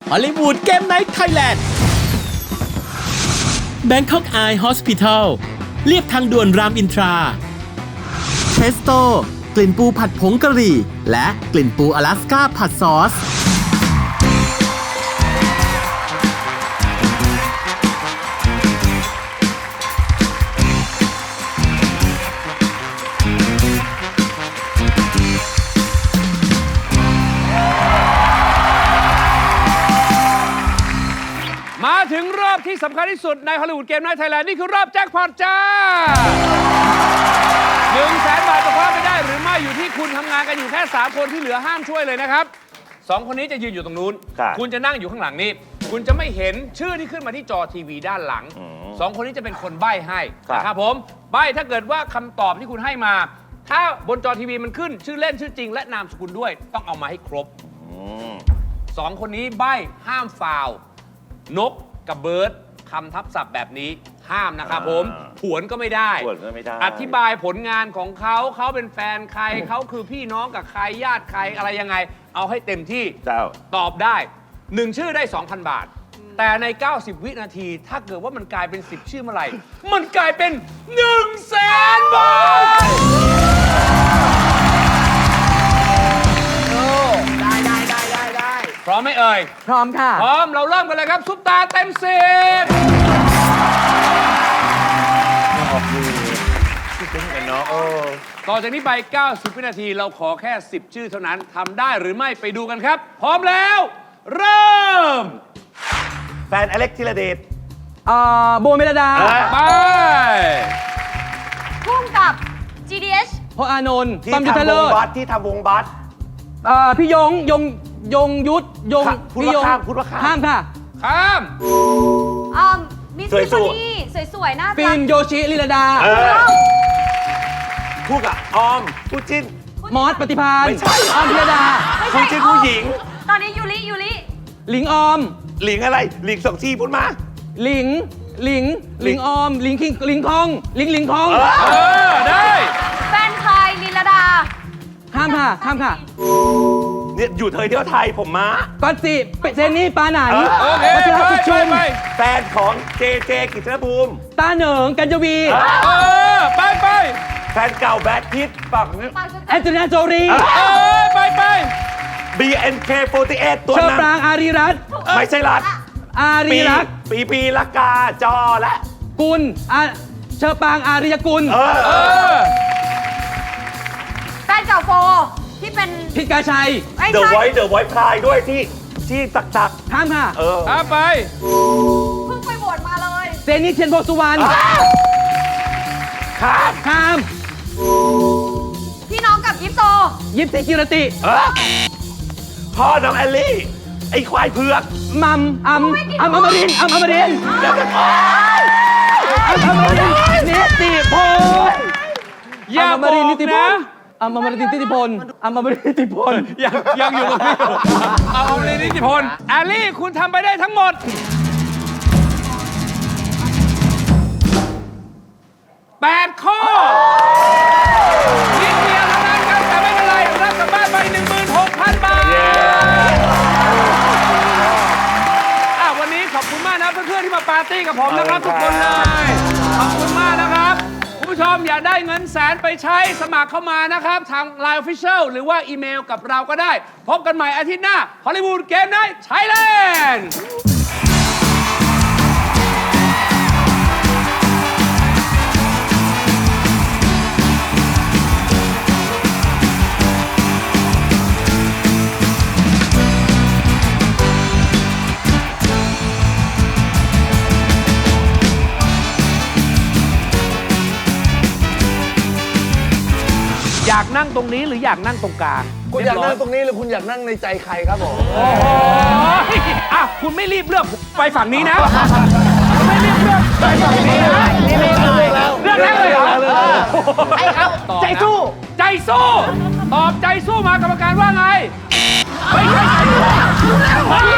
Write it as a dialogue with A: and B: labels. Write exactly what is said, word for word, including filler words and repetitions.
A: ฮอลลีวูดเกมไนท์ไทยแลนด์ Bangkok Eye Hospital เรียบทางด่วนรามอินทราเทสโตกลิ่นปูผัดผงกะหรี่และกลิ่นปูอลาสก้าผัดซอส
B: มาถึงรอบที่สำคัญที่สุดในฮอลลีวูดเกมไนท์ไทยแลนด์นี่คือรอบแจ็คพอตจ้าหนึ่งแสนบาทจะคว้าไปได้หรือไม่อยู่ที่คุณทำงานกันอยู่แค่สามคนที่เหลือห้ามช่วยเลยนะครับสองคนนี้จะยืนอยู่ตรงนู้นคุณจะนั่งอยู่ข้างหลังนี้คุณจะไม่เห็นชื่อที่ขึ้นมาที่จอทีวีด้านหลังสองคนนี้จะเป็นคนใบ้ให้นะครับผมใบ้ถ้าเกิดว่าคำตอบที่คุณให้มาถ้าบนจอทีวีมันขึ้นชื่อเล่นชื่อจริงและนามสกุลด้วยต้องเอามาให้ครบสองคนนี้ใบ้ห้ามฟาวนกกับเบิร์ดคำทับศัพท์แบบนี้ห้ามนะครับผมผวนก็ไม่ได้
C: ผวนก็ไม่ได้
B: อธิบายผลงานของเขาเขาเป็นแฟนใครเขาคือพี่น้องกับใครญาติใครอะไรยังไงเอาให้เต็มที่
C: เจ้า
B: ตอบได้หนึ่งชื่อได้ สองพัน บาทแต่ในเก้าสิบวินาทีถ้าเกิดว่ามันกลายเป็นสิบชื่อเมื่อไหร่มันกลายเป็นหนึ่งแสนบาท
D: ได้ได้ได้ได้ได้
B: พร้อมไหมเอ่ย
D: พร้อมค่ะ
B: พร้อมเราเริ่มกันเลยครับซุปตาเต็มสิบต่อจากนี้ไปเก้าสิบวินาทีเราขอแค่สิบชื่อเท่านั้นทำได้หรือไม่ไปดูกันครับพร้อมแล้วเริ่ม
C: แฟนอเล็กธีรเดช
D: อ่าโบเมลดา
B: ไป
E: พุ่งกับ จี ดี เอช
D: พออานนท์
C: ที่ทำวงบัสที่ทำวงบัส
D: อ่าพี่ยงยงยงยุทธยง
C: พูดว่าข้ามพูดว่าข้าม
D: ข้ามค่ะ
B: ข้าม
E: อ่ามิสซิฟานี่สวยๆน่ารัก
D: ฟิล์มโยชิลิลดา
C: คู่กับออมคู่จิ้น
D: มอสปฏิภาณ
C: ไม่ใช่
D: ออมพิรดา
C: คู่จิ้นผู้หญิง
E: ตอนนี้ยูริยูริ
D: หลิงออม
C: หลิงอะไรหลิงสองชีพูดมา
D: หลิงหลิงหลิงออมหลิงคิงหลิงทองหลิงหลิงทอง
B: เออได้
E: แฟนใครลิลดา
D: ข้ามค่ะข้ามค่ะ
C: เนี่ยอยู่เธอเที่ยวไทยผมมา
D: ก็สิเซนนี่ปาหนัน
B: โอเคไปไปไป
C: แฟนของเจเจกิจนภูมิ
D: ตาเหนิงกัญจวี
B: เออไปไป
C: แฟนเก่าแบทพิทฝั่ง
D: แอนโทนีโจรี
B: เออไปไป
C: บี เอ็น เค สี่สิบแปด ตัว
D: นั้นเชอปรางอารีรัตน์
C: ไม่ใช่รัต
D: อารีรัตน์
C: ปีปีละกาจอและ
D: กุลเชอปรางอารียกุล
C: เออ
E: แฟนเก่าโฟที่เป็น
D: พิกาชัย
C: เดอะไวท์เดอะไวท์พลายด้วยที่ที่ตักตัก
D: ข้ามค่ะ
C: เออ
B: ข้ามไป
E: เพิ่งไปโหวตมาเลย
D: เซนิเทียนโพสุวรรณ
C: ข้าม
D: ข้าม
E: พี่น้องกับยิปโซ
D: ยิปซีกิรติ
C: พ่อน้องแอลลี่ไอ้ควายเผือก
D: มัมอัมอัมอมรินอัมอมรินอัมอมรินนิติพล
B: อย่าบอกนะ
D: อัมอมรินนิติพลอัมอมรินนิติพล
B: ยังยังอยู่ตรงนี้อัมอมรินนิติพลแอลลี่คุณทำไปได้ทั้งหมดแปดข้อนิดเดียวเท่านั้นครับแต่ไม่เป็นไรรับกลับบ้านไป หนึ่งหมื่นหกพัน บาทอ่ะวันนี้ขอบคุณมากนะเพื่อนๆที่มาปาร์ตี้กับผมนะครับทุกคนเลยขอบคุณมากนะครับคุณผู้ชมอยากได้เงินแสนไปใช้สมัครเข้ามานะครับทาง ไลน์ Official หรือว่าอีเมลกับเราก็ได้พบกันใหม่อาทิตย์หน้าฮอลลีวูดเกมไนท์ไทยแลนด์อยากนั่งตรงนี้หรืออยากนั่งตรงกลาง
F: คุณอยากนั่งตรงนี้หรือคุณอยากนั่งในใจใครครับผม
B: โอ้โหอ่ะคุณไม่รีบเลือกไปฝั่งนี้นะคุณไม่รีบเลือกไปฝั่งนี้นะ
F: นี่ไม่เลือกแล้ว
B: เลือกนั่งเลยเหรอ
F: ไอ้เขาใจสู้
B: ใจสู้ตอบใจสู้มากรรมการว่าไงไม่ใช่ใจสู้